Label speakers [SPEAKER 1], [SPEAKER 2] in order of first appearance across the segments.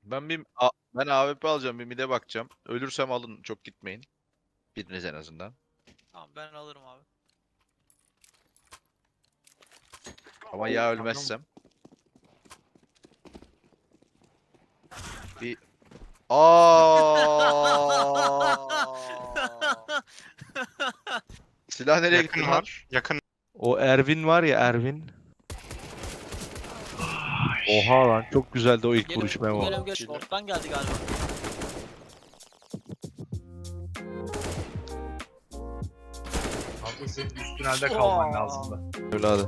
[SPEAKER 1] Ben AWP alacağım, bir mid'e bakacağım. Ölürsem alın, çok gitmeyin. Biriniz en azından.
[SPEAKER 2] Tamam ben alırım abi.
[SPEAKER 1] Ama ya ölmezsem. Bir Aa! Silah nereye gitti
[SPEAKER 3] Yakın
[SPEAKER 1] lan?
[SPEAKER 3] var. Yakın.
[SPEAKER 4] O Ervin var ya Ervin. Oha lan çok güzeldi o ilk vuruş Memo.
[SPEAKER 2] Gel short'tan geldi galiba.
[SPEAKER 5] Hamza senin üst tünelde kalman lazımdı.
[SPEAKER 4] Öyle hadi.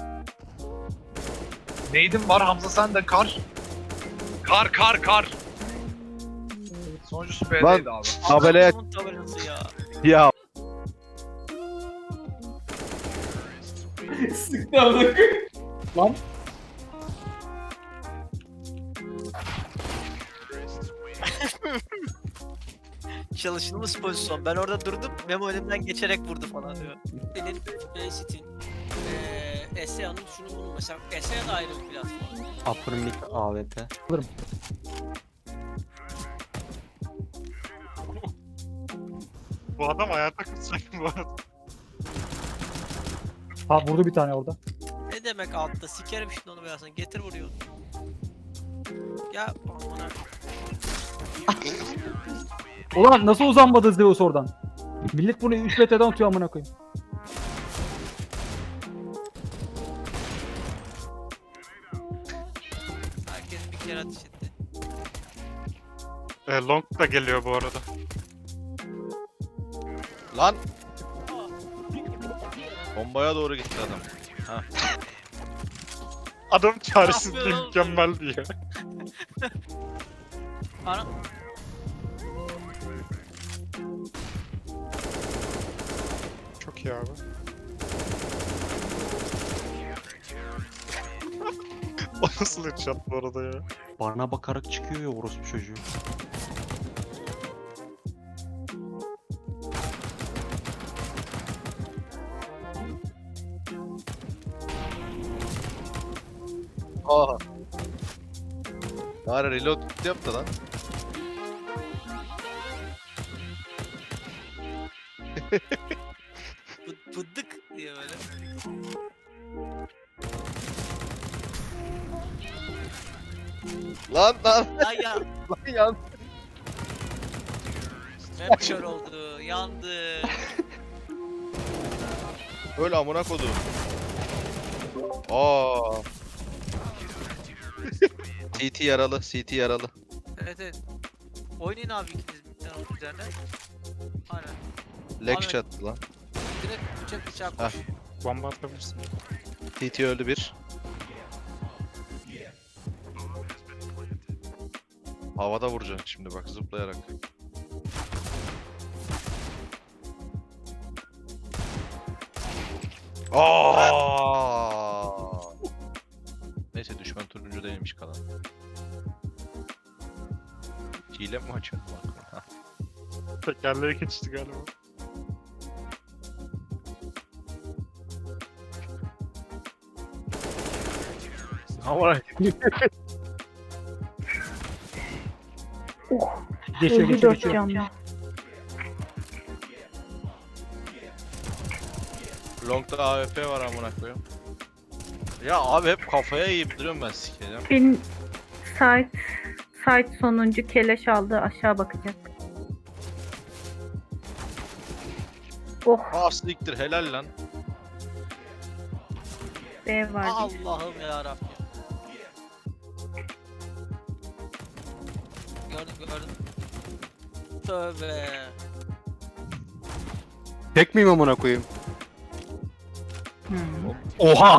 [SPEAKER 5] Neydin var Hamza sen de kar. Kar. Sonuncusu B'deydi abi.
[SPEAKER 4] Tabelaya
[SPEAKER 2] Adamın tabelası ya.
[SPEAKER 4] ya
[SPEAKER 6] Sıktı amına. Lan.
[SPEAKER 2] Çalışılmış pozisyon. Ben orada durdum. Memo önümden geçerek vurdu falan diyor. Senin City'nin ESEA'nın şunu bunun mesela ESEA da ayrı bir platform.
[SPEAKER 7] Upper mid AWP.
[SPEAKER 3] Bu adam hayata kutsak bu arada.
[SPEAKER 6] Ha vurdu bir tane orada.
[SPEAKER 2] Ne demek altta? Sikerim şimdi onu birazdan. Getir vuruyor. Ya amına.
[SPEAKER 6] Ulan nasıl uzanmadı Zeus oradan? Millet bunu 3 metreden atıyor amına koyayım.
[SPEAKER 2] Herkes bir kere ateş etti.
[SPEAKER 3] Long da geliyor bu arada.
[SPEAKER 1] Lan! Bombaya doğru gitti adam.
[SPEAKER 3] Adam çaresizliği
[SPEAKER 2] Yapıyor oğlum.
[SPEAKER 3] mükemmeldi ya.
[SPEAKER 2] Ana.
[SPEAKER 3] Çok iyi abi. O nasıl headshot bu arada ya?
[SPEAKER 7] Bana bakarak çıkıyor ya orospu çocuğu.
[SPEAKER 1] Aa. Bari reload yaptı lan.
[SPEAKER 2] Pıddık diye böyle.
[SPEAKER 1] Lan
[SPEAKER 2] Ay ya.
[SPEAKER 1] lan yan.
[SPEAKER 2] Hep kör oldu. Yandı.
[SPEAKER 1] Öyle amına kodum. Aa. CT yaralı, CT yaralı.
[SPEAKER 2] Evet. Oynayın abi ikiniz bir tane onun üzerine. Aynen.
[SPEAKER 1] Leg
[SPEAKER 2] Abi-
[SPEAKER 1] shot'tı lan.
[SPEAKER 2] Direkt bıçak
[SPEAKER 1] Hah.
[SPEAKER 2] koş.
[SPEAKER 3] Bomba atabilirsin.
[SPEAKER 1] CT öldü bir. Havada vuracaksın şimdi bak zıplayarak. Aa! Neyse düşman turuncu değilmiş kalan. Hile mi açıyorsun bak?
[SPEAKER 3] Tekerleğe geçti galiba.
[SPEAKER 4] Ama
[SPEAKER 6] Geçiyor.
[SPEAKER 1] Long'da AWP var amına koyayım. Ya abi hep kafaya yiyip duruyorum ben sikeceğim.
[SPEAKER 8] Bin site sonuncu keleş aldı aşağı bakacak. Oh
[SPEAKER 1] Aa siktir helal lan.
[SPEAKER 8] B var.
[SPEAKER 2] Allah'ım ya Rabbim. Gördüm. Tövbe.
[SPEAKER 7] Tek miyim amına koyayım?
[SPEAKER 8] Hmm.
[SPEAKER 7] Oha!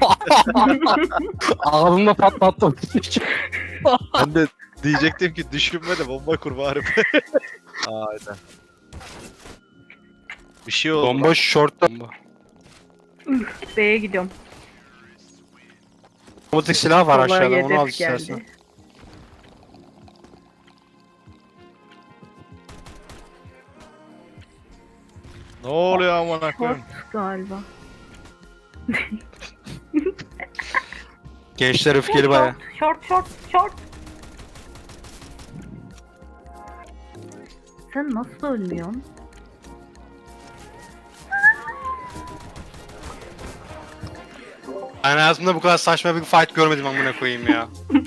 [SPEAKER 7] Ağzımda patlattım.
[SPEAKER 1] Ben de diyecektim ki düşünme de bomba kur bari. Aynen. Bir şey oldu.
[SPEAKER 7] Bomba short'ta.
[SPEAKER 8] B'ye gidiyorum.
[SPEAKER 7] Otomatik silah var
[SPEAKER 8] Kolay
[SPEAKER 7] aşağıda onu al
[SPEAKER 8] hedef geldi.
[SPEAKER 7] istersen.
[SPEAKER 1] Ne oluyor amına koyayım?
[SPEAKER 8] Short galiba.
[SPEAKER 7] Gençler öfkeli baya.
[SPEAKER 8] Short. Sen nasıl ölmüyorsun?
[SPEAKER 7] Ben hayatımda bu kadar saçma bir fight görmedim amına koyayım ya.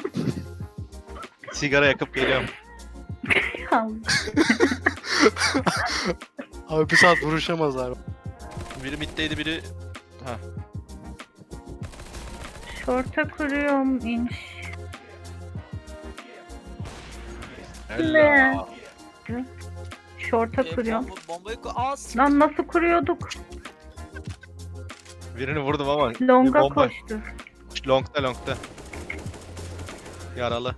[SPEAKER 4] Sigara yakıp geliyorum.
[SPEAKER 7] Abi bir saat vuruşamazlar.
[SPEAKER 1] Biri middeydi biri... Ha.
[SPEAKER 8] Şorta kuruyorum inş.
[SPEAKER 1] Helal.
[SPEAKER 8] Şorta kuruyorum.
[SPEAKER 2] Bombayı az.
[SPEAKER 8] Lan nasıl kuruyorduk?
[SPEAKER 4] Birini vurdum ama. bir
[SPEAKER 8] Longa
[SPEAKER 4] bomba.
[SPEAKER 8] koştu.
[SPEAKER 4] Long'da. Yaralı.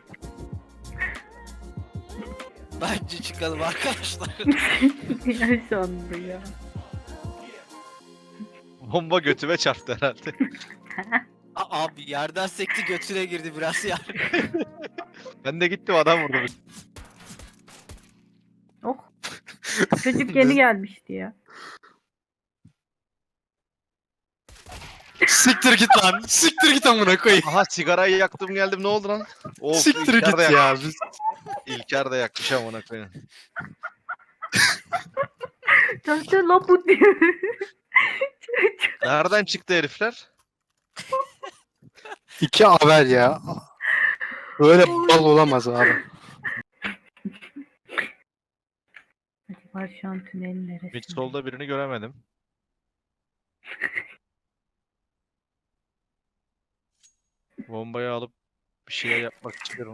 [SPEAKER 2] Bence çıkalım arkadaşlar.
[SPEAKER 8] Yaşandı ya.
[SPEAKER 4] Bomba götüme çarptı herhalde.
[SPEAKER 2] Abi yerden sekti götüne girdi biraz ya.
[SPEAKER 4] Ben de gittim adam vurdu.
[SPEAKER 8] Oh. Çocuk yeni gelmişti ya.
[SPEAKER 7] Siktir git lan. Siktir git amına koyayım.
[SPEAKER 4] Aha sigarayı yaktım geldim ne oldu lan? Of,
[SPEAKER 7] Siktir
[SPEAKER 4] İlker
[SPEAKER 7] git
[SPEAKER 4] de
[SPEAKER 7] ya.
[SPEAKER 4] yakmış. İlker de yakmış amına koyayım.
[SPEAKER 8] Çocuk la bu diyor.
[SPEAKER 4] Nereden çıktı herifler?
[SPEAKER 7] İki haber ya. Böyle bal olamaz abi.
[SPEAKER 8] Acaba şu an tünelin neresi?
[SPEAKER 4] Mid solda birini göremedim. Bombayı alıp bir şeyler yapmak istiyorum.